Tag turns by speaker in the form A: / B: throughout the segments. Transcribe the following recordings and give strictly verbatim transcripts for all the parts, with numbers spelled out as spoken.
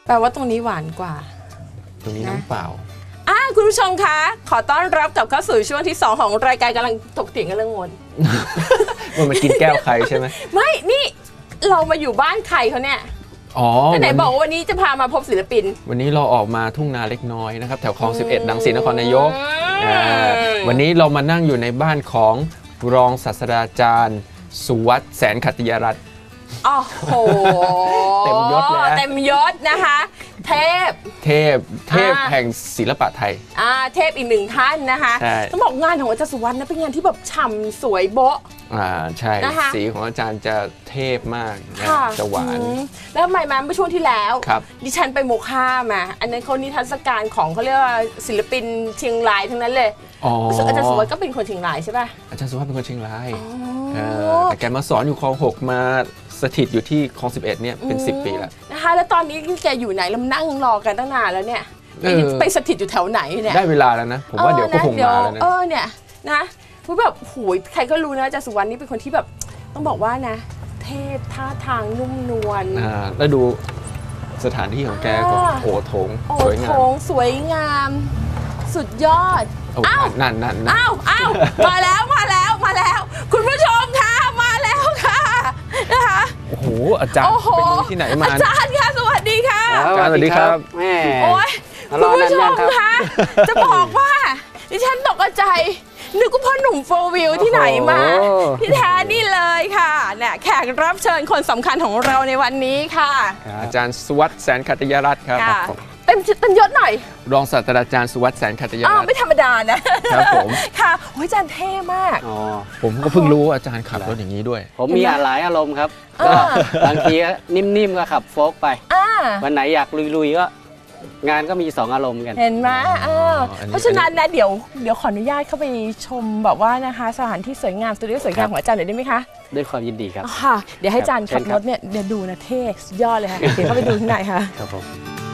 A: แปลว่าตรงนี้หวานกว่า
B: ตรงนี้น้ำเปล่า
A: อ่าคุณผู้ชมคะขอต้อนรับกลับเข้าสู่ช่วงที่สองของรายการกำลังถกเถียงกันเรื่องมน
B: มันมากินแก้วใครใช่ไหม
A: ไม่นี่เรามาอยู่บ้านใครเขาเนี่ย
B: อ๋อ
A: ไหนบอกว่าวันนี้จะพามาพบศิลปิน
B: วันนี้เราออกมาทุ่งนาเล็กน้อยนะครับแถวคลองสิบเอ็ดดังศรีนครนายกวันนี้เรามานั่งอยู่ในบ้านของรองศาสตราจารย์สุวัฒน์แสนขัตติยรัตน์
A: โอ้โห
B: เต็มยศเลย
A: เต็มยศนะคะเทพ
B: เทพเทพแห่งศิลปะไทย
A: อ่าเทพอีกหนึ่งท่านนะคะต้องบอกงานของอาจารย์สุวัฒน์นะเป็นงานที่แบบฉ่ำสวยโบ๊ะ
B: อ่าใช่สีของอาจารย์จะเทพมากนะจะหวาน
A: แล้วทำไมมาเมื่อช่วงที่แล้วดิฉันไปโมค่ามาอันนั้นเขานิทรรศการของเขาเรียกว่าศิลปินเชียงรายทั้งนั้นเลยอาจารย์สุวัฒน์ก็เป็นคนเชียงรายใช่ป่ะ
B: อาจารย์สุวัฒน์เป็นคนเชียงรายแต่แกมาสอนอยู่คลองหกมาสถิตอยู่ที่คลองสิบเอ็ดเนี่ยเป็นสิบปีแล้ว
A: นะคะแล้วตอนนี้แกอยู่ไหนเรานั่งรอกันตั้งนานแล้วเนี่ยไปสถิตอยู่แถวไหนเนี่ย
B: ได้เวลาแล้วนะผมว่าเดี๋ยวก็คงมาแล้วนะ
A: เออเนี่ยนะพูดแบบโหยใครก็รู้นะอาจารย์สุวรรณนี่เป็นคนที่แบบต้องบอกว่านะเทพท่าทางนุ่มนวล
B: อ่าแล้วดูสถานที่ของแกก็โอโถง
A: สวยงามโอโถงสวยงามสุดยอด
B: อ้าวนั่นนั่น
A: อ้าวอ้าวมาแล้วมาแล้วมาแล้วคุณผู้ชมค่ะมาแล้วค่ะนะคะ
B: โอ้โหอาจารย์เป็นที่ไหนมา
A: อาจารย์ค่ะสวัสดีค่ะ
B: อาจารย์สวัสดีครับ
A: แม่โอ้ยคุณผู้ชมค่ะจะบอกว่าดิฉันตกใจนึกว่าพ่อหนุ่มโฟร์วิวที่ไหนมาที่แท้นี่เลยค่ะเนี่ยแขกรับเชิญคนสำคัญของเราในวันนี้ค่ะ
B: อาจารย์สุวัฒน์แสนขัตติยรัตน์ครับ
A: เต็มเต็มยศหน่อย
B: รองศาสตราจารย์สุวัฒน์แสนขัตติยรัตน์
A: ไม่ธรรมดานะครับผมค่ะโอ้ยอาจารย์เท่มาก
B: อ๋อผมก็เพิ่งรู้อาจารย์ขับรถอย่างนี้ด้วย
C: ผมมีหลายอารมณ์ครับก็บางทีนิ่มๆก็ขับโฟล์กไปวันไหนอยากลุยๆก็งานก็มีสองอารมณ์กัน
A: เห็นไหมเพราะฉะนั้นนะเดี๋ยวเดี๋ยวขออนุญาตเข้าไปชมแบบว่านะคะสถานที่สวยงามสตูดิโอสวยงามของอาจารย์หน่อยได้ไหมคะ
C: ด้วยความยินดีครับ
A: ค่ะเดี๋ยวให้อาจารย์ขับรถเนี่ยเดี๋ยวดูนะเท่สุดยอดเลยค่ะเดี๋ยวเข้าไปดูข้างในค่ะ
C: ครับผม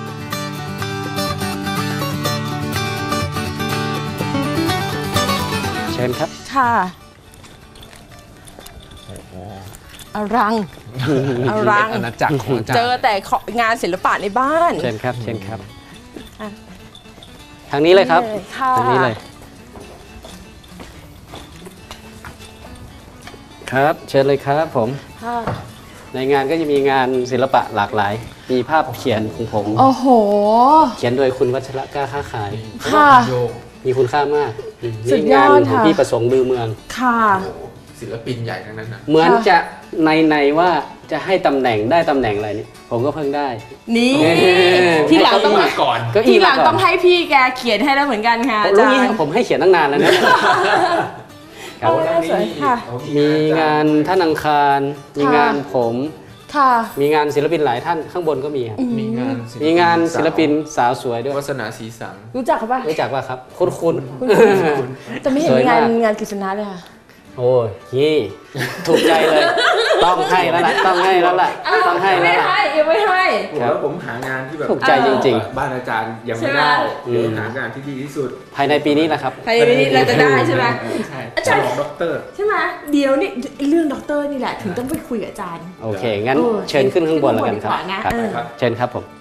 C: เชิญครับ
A: ค่ะอรังอรัง
B: อาณาจักรของอาจารย์
A: เจอแต่งานศิลปะในบ้าน
C: เชิญครับเชิญครับทางนี้เลยครับทางนี้เลยครับเชิญเลยครับผมในงานก็จะมีงานศิลปะหลากหลายมีภาพเขียนของผม
A: โอ้โห
C: เขียนโดยคุณวัชระกล้าค้าขาย
A: ค่ะ
C: มีคุณค่ามาก
A: สุดยอดค่ะ
C: พี่ประสงค์บือเมือง
A: ค่ะ
B: ศิลปินใหญ่ทั้งนั้นนะ
C: เหมือนจะในในว่าจะให้ตำแหน่งได้ตำแหน่งอะไรนี่ผมก็เพิ่งได้
A: นี่ที่หลังต้อง
B: มาก่อน
A: ที่หลังต้องให้พี่แกเขียนให้แล้วเหมือนกันค่ะอาจารย์
C: ผมให้เขียนตั้งนานแล้วนะมีงานท่านอังคารมีงานผมมีงานศิลปินหลายท่านข้างบนก็มี
B: มีงาน
C: มีงานศิลปินสาวสวยด้วย
B: วาสนาสีสัง
A: รู้จักเขาปะ
C: รู้จักว่าครับคุณคุณ
A: จะไม่เห็นงานงานกฤษณะเลยค่ะ
C: โอ้ยยี่ถูกใจเลยต้องให้แล้วล่ะต้องให้แล้วล่ะต้องให้แล้วล่ะ
A: ไม่ให้ยังไม่ให้
B: แล้วผมหางานที่แบบ
C: ถูกใจจริง
B: ๆบ้านอาจารย์ยังไม่ได้หางานที่ดีที่สุด
C: ภายในปีนี้แหละครับ
A: ภายในปีนี้เราจะได้ใช่ไหม
B: ใช่อาจารย์ด็อกเตอร์
A: ใช่ไหมเดี๋ยวนี่เรื่องด็อกเตอร์นี่แหละถึงต้องไปคุยกับอาจารย์
C: โอเคงั้นเชิญขึ้นข้างบนแล้วกันครับเชิญครับผม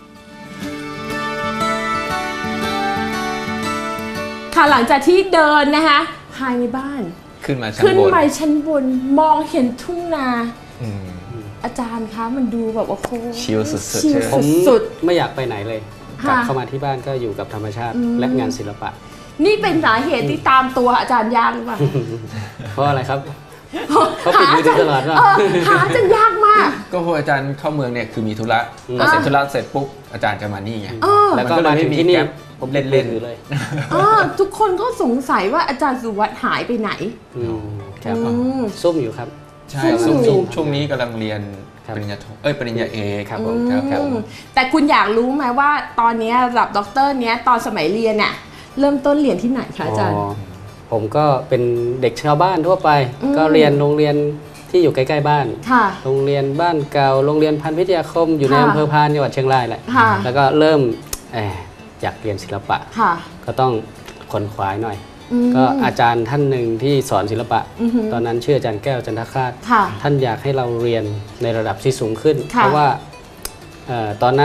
A: ค่ะหลังจากที่เดินนะคะภายในบ้าน
B: ขึ้นมาชั้นบน
A: ขึ้นไปชั้นบนมองเห็นทุ่งนาอาจารย์คะมันดูแบบว่าโค้ง
B: ชิลสุด
A: ๆผม
C: ไม่อยากไปไหนเลยกลับเข้ามาที่บ้านก็อยู่กับธรรมชาติและงานศิลปะ
A: นี่เป็นสาเหตุที่ตามตัวอาจารย์ยากหรือเปล่า
C: เพราะอะไรครับเขาปิดมือตลอดว่า
A: หาจนยากมาก
B: ก็พออาจารย์เข้าเมืองเนี่ยคือมีธุระพอเสร็จธุระเสร็จปุ๊บอาจารย์จะมานี่ไง
C: แล้วก็มาถึงที่นี่ผมเล่นเล่นอยู่เลย
A: ทุกคนก็สงสัยว่าอาจารย์สุวัฒน์หายไปไหน
C: ครับซุ่มอยู่ครับ
B: ใช่ซุ่มช่วงนี้กำลังเรียนปริญญาโทเอ้ยปริญญาเอกครับผมครับ
A: แต่คุณอยากรู้ไหมว่าตอนนี้ระดับด็อกเตอร์เนี้ยตอนสมัยเรียนน่ะเริ่มต้นเรียนที่ไหนคะอาจารย์
C: ผมก็เป็นเด็กชาวบ้านทั่วไปก็เรียนโรงเรียนที่อยู่ใกล้ๆบ้านโรงเรียนบ้านเก่าโรงเรียนพันธุ์วิทยาคมอยู่ในอำเภอพานจังหวัดเชียงรายแหละแล้วก็เริ่มอยากเรียนศิลปะก็ต้องขนขวายหน่อยก็อาจารย์ท่านหนึ่งที่สอนศิลปะตอนนั้นชื่ออาจารย์แก้วจันทคาตท่านอยากให้เราเรียนในระดับที่สูงขึ้นเพราะว่าตอนนั้นค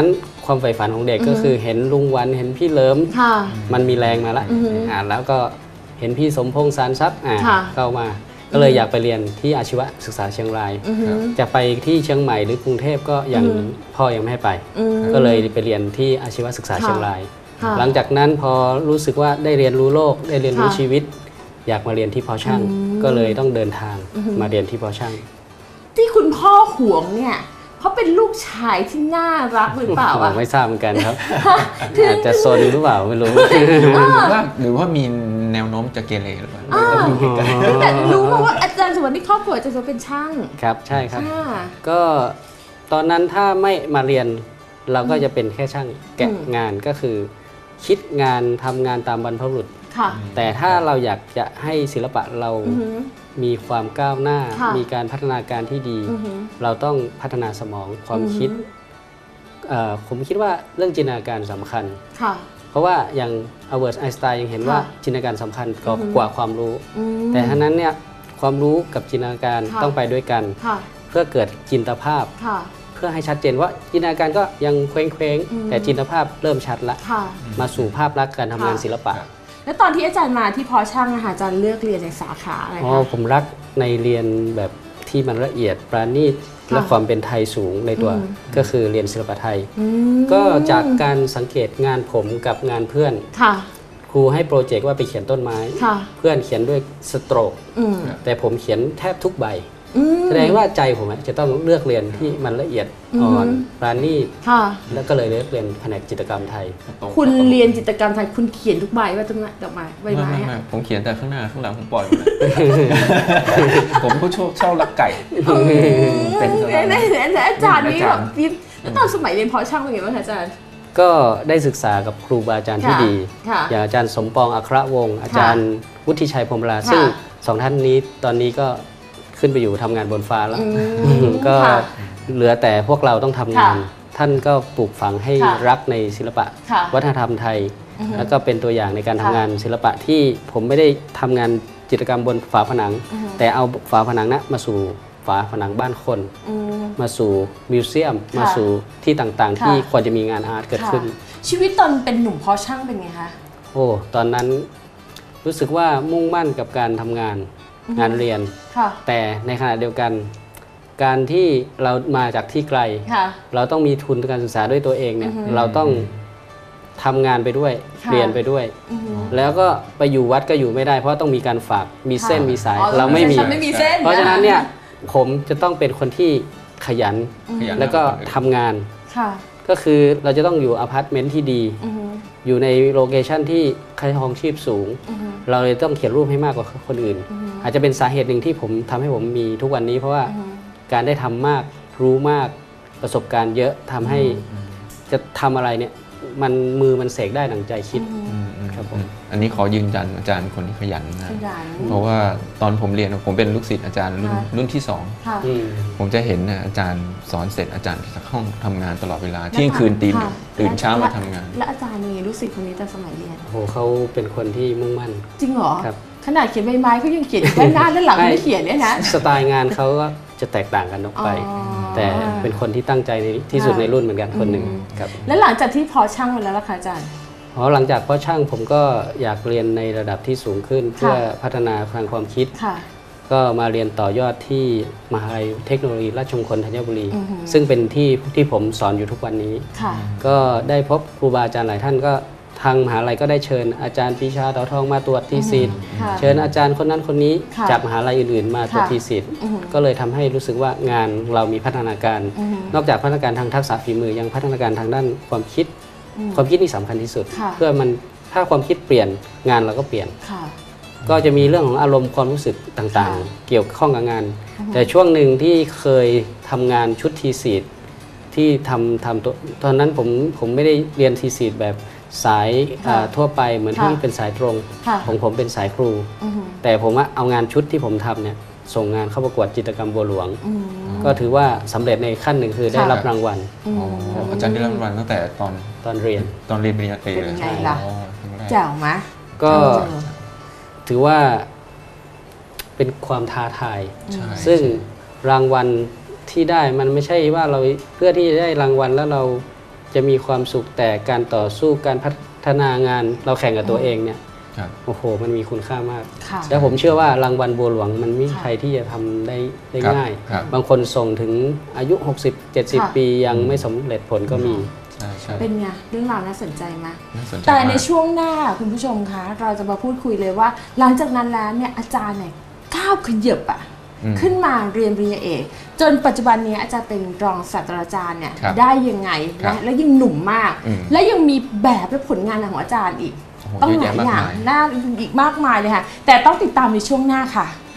C: ความใฝ่ฝันของเด็กก็คือเห็นลุงวันเห็นพี่เลิมมันมีแรงมาละอ่านแล้วก็เห็นพี่สมพงษ์สารทรัพย์อ่าเข้ามาก็เลยอยากไปเรียนที่อาชีวศึกษาเชียงรายจะไปที่เชียงใหม่หรือกรุงเทพก็ยังพ่อยังไม่ให้ไปก็เลยไปเรียนที่อาชีวศึกษาเชียงรายหลังจากนั้นพอรู้สึกว่าได้เรียนรู้โลกได้เรียนรู้ชีวิตอยากมาเรียนที่พอช่างก็เลยต้องเดินทางมาเรียนที่พอช่าง
A: ที่คุณพ่อห่วงเนี่ยเพราะเป็นลูกชายที่น่ารักหรือเปล่าอะ
C: ไม่ทราบเหมือนกันครับอาจจะซนหรือเปล่าไม่รู้
B: หรือว่าหรือว่ามีแนวโน้มจะเกเรหรือเปล่า
A: แต่รู้มาว่าอาจารย์สวัสดิ์ครอบครัวจะเป็นช่าง
C: ครับใช่ครับก็ตอนนั้นถ้าไม่มาเรียนเราก็จะเป็นแค่ช่างแกะงานก็คือคิดงานทำงานตามบรรพบุรุษแต่ถ้าเราอยากจะให้ศิลปะเรามีความก้าวหน้ามีการพัฒนาการที่ดีเราต้องพัฒนาสมองความคิดผมคิดว่าเรื่องจินตนาการสำคัญเพราะว่าอย่างอัลเบิร์ตไอน์สไตน์ยังเห็นว่าจินตนาการสำคัญกว่าความรู้แต่ทั้งนั้นเนี่ยความรู้กับจินตนาการต้องไปด้วยกันเพื่อเกิดจินตภาพเพื่อให้ชัดเจนว่าจินตนาการก็ยังเคว้งๆแต่จินตภาพเริ่มชัดละมาสู่ภาพลักษณ์การทำงานศิลปะ
A: แล้วตอนที่อาจารย์มาที่พอช่างอาจารย์เลือกเรียนในสาขาอะไรคะอ๋อ
C: ผมรักในเรียนแบบที่มันละเอียดปราณีตและความเป็นไทยสูงในตัวก็คือเรียนศิลปะไทยก็จากการสังเกตงานผมกับงานเพื่อนครูให้โปรเจกต์ว่าไปเขียนต้นไม้เพื่อนเขียนด้วยสโตรกแต่ผมเขียนแทบทุกใบแสดงว่าใจผมจะต้องเลือกเรียนที่มันละเอียดอ่อนปราณีตแล้วก็เลยเลือกเรียนแผนกจิตรกรรมไทย
A: คุณเรียนจิตรกรรมไทยคุณเขียนทุกใบว่าต้นไม้ดอกไม้ใบไม้
B: ผมเขียนแต่ข้างหน้าข้างหลังผมปล่อยผมก็ชอบชอบลักไก่
A: เป็นอาจารย์นี่แบบแล้วตอนสมัยเรียนพอช่างเป็นไงบ้างอาจารย์
C: ก็ได้ศึกษากับครูบาอาจารย์ที่ดีอย่างอาจารย์สมปองอัครวงศ์อาจารย์วุฒิชัยพรหมราซึ่งสองท่านนี้ตอนนี้ก็ขึ้นไปอยู่ทำงานบนฟ้าแล้วก็เหลือแต่พวกเราต้องทำงานท่านก็ปลูกฝังให้รักในศิลปะวัฒนธรรมไทยแล้วก็เป็นตัวอย่างในการทำงานศิลปะที่ผมไม่ได้ทำงานจิตรกรรมบนฝาผนังแต่เอาฝาผนังนะมาสู่ฝาผนังบ้านคนมาสู่มิวเซียมมาสู่ที่ต่างๆที่ควรจะมีงานอาร์ตเกิดขึ้น
A: ชีวิตตอนเป็นหนุ่มพอช่างเป็นไงคะ
C: โอ้ตอนนั้นรู้สึกว่ามุ่งมั่นกับการทำงานงานเรียนแต่ในขณะเดียวกันการที่เรามาจากที่ไกลเราต้องมีทุนการศึกษาด้วยตัวเองเนี่ยเราต้องทำงานไปด้วยเรียนไปด้วยแล้วก็ไปอยู่วัดก็อยู่ไม่ได้เพราะต้องมีการฝากมีเส้นมีสายเราไม่มีเพราะฉะนั้นเนี่ยผมจะต้องเป็นคนที่ขยันแล้วก็ทำงานก็คือเราจะต้องอยู่อพาร์ตเมนต์ที่ดีอยู่ในโลเคชันที่ค่าครองชีพสูงเราเลยต้องเขียนรูปให้มากกว่าคนอื่นอาจจะเป็นสาเหตุหนึ่งที่ผมทำให้ผมมีทุกวันนี้เพราะว่าการได้ทำมากรู้มากประสบการณ์เยอะทำให้จะทำอะไรเนี่ยมันมือมันเสกได้ดังใจคิดครับผม
B: อันนี้ขอยืนยันอาจารย์คนที่ขยันนะเพราะว่าตอนผมเรียนผมเป็นลูกศิษย์อาจารย์รุ่นรุ่นที่สองผมจะเห็นนะอาจารย์สอนเสร็จอาจารย์จะเข้าทำงานตลอดเวลาเที่ยงคืนตีหนึ่งตื่นเช้ามาทำงาน
A: และอาจารย์มีลูกศิษย์คนนี้ตอนสมัยเรียน
C: โอ้เขาเป็นคนที่มุ่งมั่น
A: จริงเหรอครับขนาดเขียนใบไม้เขายังเขียนด้านหน้าด้านหลังไม่เขียนเนี่ยนะ
C: สไตล์งานเขาก็จะแตกต่างกันออกไปแต่เป็นคนที่ตั้งใจในที่สุดในรุ่นเหมือนกันคนหนึ่งครับ
A: แล้วหลังจากที่พอช่างมาแล้วล่ะคะอาจารย์
C: อ๋อหลังจากพอช่างผมก็อยากเรียนในระดับที่สูงขึ้นเพื่อพัฒนาทางความคิดก็มาเรียนต่อยอดที่มหาวิทยาลัยเทคโนโลยีราชมงคลธัญบุรีซึ่งเป็นที่ที่ผมสอนอยู่ทุกวันนี้ก็ได้พบครูบาอาจารย์หลายท่านก็ทางมหาลัยก็ได้เชิญอาจารย์ปรีชาเต่าทองมาตรวจทีสิทธิ์เชิญอาจารย์คนนั้นคนนี้จากมหาลัยอื่นๆมาตรวจทีสิทธิ์ก็เลยทำให้รู้สึกว่างานเรามีพัฒนาการนอกจากพัฒนาการทางทักษะฝีมือยังพัฒนาการทางด้านความคิดความคิดนี่สำคัญที่สุดเพื่อมันถ้าความคิดเปลี่ยนงานเราก็เปลี่ยนก็จะมีเรื่องของอารมณ์ความรู้สึกต่างๆเกี่ยวข้องกับงานแต่ช่วงหนึ่งที่เคยทำงานชุดทีสิทธิ์ที่ทำทำตัวตอนนั้นผมผมไม่ได้เรียนทีสิทธิ์แบบสายทั่วไปเหมือนที่เป็นสายตรงของผมเป็นสายครูแต่ผมเอางานชุดที่ผมทำเนี่ยส่งงานเข้าประกวดจิตรกรรมบัวหลวงก็ถือว่าสำเร็จในขั้นหนึ่งคือได้รับรางวัล
B: อาจารย์ได้รับรางวัลตั้งแต่ตอน
C: ตอนเรียน
B: ตอนเรียนปริญญาตรีเลย
A: ใช่ล่ะเจ๋งไหม
C: ก็ถือว่าเป็นความท้าทายซึ่งรางวัลที่ได้มันไม่ใช่ว่าเราเพื่อที่จะได้รางวัลแล้วเราจะมีความสุขแต่การต่อสู้การพัฒนางานเราแข่งกับตัวเองเนี่ยโอ้โหมันมีคุณค่ามากแล้วผมเชื่อว่ารางวัลบัวหลวงมันไม่มีใครที่จะทำได้ได้ง่ายบางคนส่งถึงอายุหกสิบ เจ็ดสิบปียังไม่สำเร็จผลก็มี
A: เป็นไงเรื่องราวน่าสนใจไหมแต่ในช่วงหน้าคุณผู้ชมคะเราจะมาพูดคุยเลยว่าหลังจากนั้นแล้วเนี่ยอาจารย์เนี่ยก้าวขยับอะขึ้นมาเรียนปริญญาเอกจนปัจจุบันนี้อาจารย์เป็นรองศาสตราจารย์เนี่ยได้ยังไงนะและยังหนุ่มมากและยังมีแบบและผลงานของอาจารย์อีกต้องหลายอย่างน่าอีกมากมายเลยค่ะแต่ต้องติดตามในช่วงหน้าค่ะ